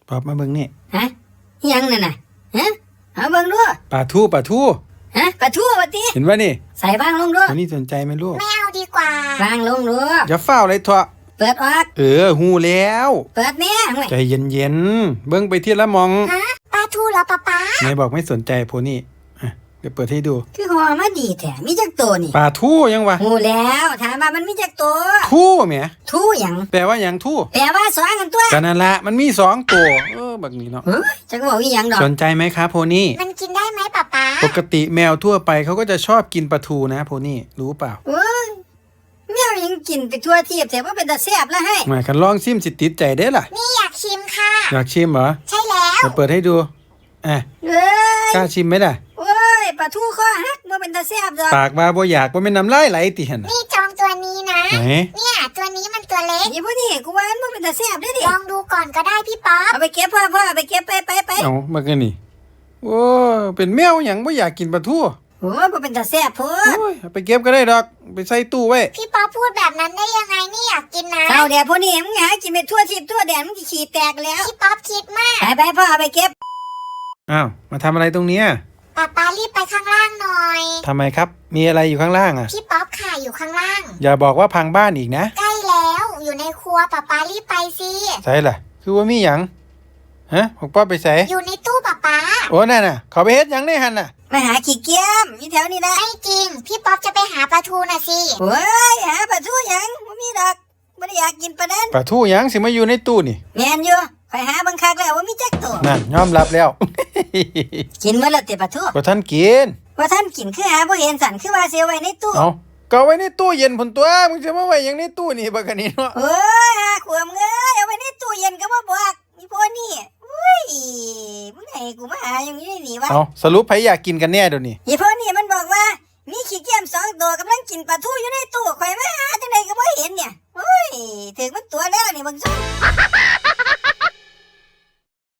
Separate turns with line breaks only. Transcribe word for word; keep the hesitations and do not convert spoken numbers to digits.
ปอบมาเบิ่งนี่
ฮะยังนั่นน่ะฮะเอาเบิ่งดู
ปลาทูปลาทู
ฮะปลาทูว่าติ
เห็นว่านี่
ใส่วางลงดู
อันนี้สนใจไหมลูก
ไม่เอาดีกว่าว
างลงดู
อย่าเฝ้าเลยเถอะ
เปิดออก
เออหูแล้ว
เปิดแม่
ใจเย็นๆเบิ่งไปทีละมอง
ฮะปลาทูเหรอป๊าป๊า
ไหนบอกไม่สนใจโพนี่อ่ะเดี๋ยวเปิดให้ดู
คือหัวมาดีแท้มีจักตัวนี่
ปลาทูยังวะ
หูแล้วถามว่ามันมีจักตัว
ทูแหม
ทูหยัง
แปลว่าหยังทู
แปลว่าสองกันตัว
ก็นั่นละมันมีสองตัวเออแบบนี้เนาะ
เฮ้ยจักบอกอีหยังดอก
สนใจไหมครับโพนี่
มันกินได้ไหมป๊าป๊า
ปกติแมวทั่วไปเขาก็จะชอบกินปลาทูนะโพนี่รู้เปล่า
เอ้ยแมวยังกินไปทั่วเทียบแต่ว่าเป็นตาแซ่บแล้วให้
มาคันลองชิมสิติดใจได้ล่ะ
นี่อยากชิมค่ะ
อยากชิมเหรอ
ใช่แล้ว
เดี๋ยวเปิดให้ดูอ่ะ
เอ้ย
กล้าชิมไหมล่ะ
โอ้ยปลาทูคอหักบ่เป็นตาแซ่บดอก
ปากว่าบ่อยากบ่แม่นน้ำลายไหลติหั่นน่ะ
นี่จองตัวนี้นะ
ไหน
เนี่ยตัวนี้มันตัวเล็ก
นี่พวกนี้กูว่ามันบ่เป็นตาแซ่บเด้อดิ
ลองดูก่อนก็ได้พี่ป๊อป
เอาไปเก็บพ่อพ่อเอาไปเก็บไปไปไป
เอามากันนี่โอ้เป็นแมวหยังบ่อยากกินปลาทู
โอ้บ่เป็นตาแซ่บพุ่น
โอ้ยเอาไปเก็บก็ได้ดอกไปใส่ตู้ไว้
พี่ป๊อปพูดแบบนั้นได้ยังไงนี่อยากกินนะ
เอาแดดพวกนี้มึงหากินไปทั่วทิพย์ทั่วแดนมึงสิขี้แตกแล้ว
พี่ป๊อปคิดมาก
ไปไปพ่อเอาไปเก็บ
อ้าวมาทำอะไรตรงเนี้ย
ป๊าป๊ารีบไปข้างล่างหน่อย
ทำไมครับมีอะไรอยู่ข้างล่างอ่ะ
พี่ป๊อปค่ะอยู่ข้างล่าง
อย่าบอกว่าพังบ้านอีกนะ
ใกล้แล้วอยู่ในครัวป๊าป๊ารีบไปสิ
ใส่ล่ะคือว่ามีหยังฮะของป้าไปใส่
อยู่ในตู้ป๊าป๊า
โอ้นั่นน่ะเขาไปเฮ็ดหยังในหั่นน่ะ
ไปหาขี้เกียมอยู่แถวนี้นะ
ไม่จริงพี่ป๊อปจะไปหาปลาทูน่ะสิ
โอ้ยหาปลาทูหยังบ่มีดอกบ่ได้อยากกินปลานั้น
ปลาทูหยังสิมาอยู่ในตู้นี่
แม่นอยู่ไปหาบังคักแล้วว่ามีจักตัว
นั่นยอมรับแล้ว
กินมื้อละติปลาทู
บ่ทันกิน
ว่าท่านกินคือหาบ่เห็นสั่นคือว่าเสียไว้ในตู้
เอ้าก็ไว้ในตู้เย็นพุ่นตัวมึงจะมาไว้หยังในตู้นี่บักอันนี้เนาะ
โอ้ยหาขวมเอ้ยเอาไว้ในตู้เย็นก็บ่บอกนี่พวกนี้อุ้ยมึงให้กูมาหาอย่างนี้นี่วะ
เอ้าสรุปไผอยากกินกันแน่เดี๋ยวนี้
อีพวกนี้มันบอกว่ามีขี้เกียจสองตัวกำลังกินปลาทูอยู่ในตู้ข่อยมาหาจังได๋ก็บ่เห็นเนี่ยโอ้ยถึงมันตัวแล้วนี่มึงซุ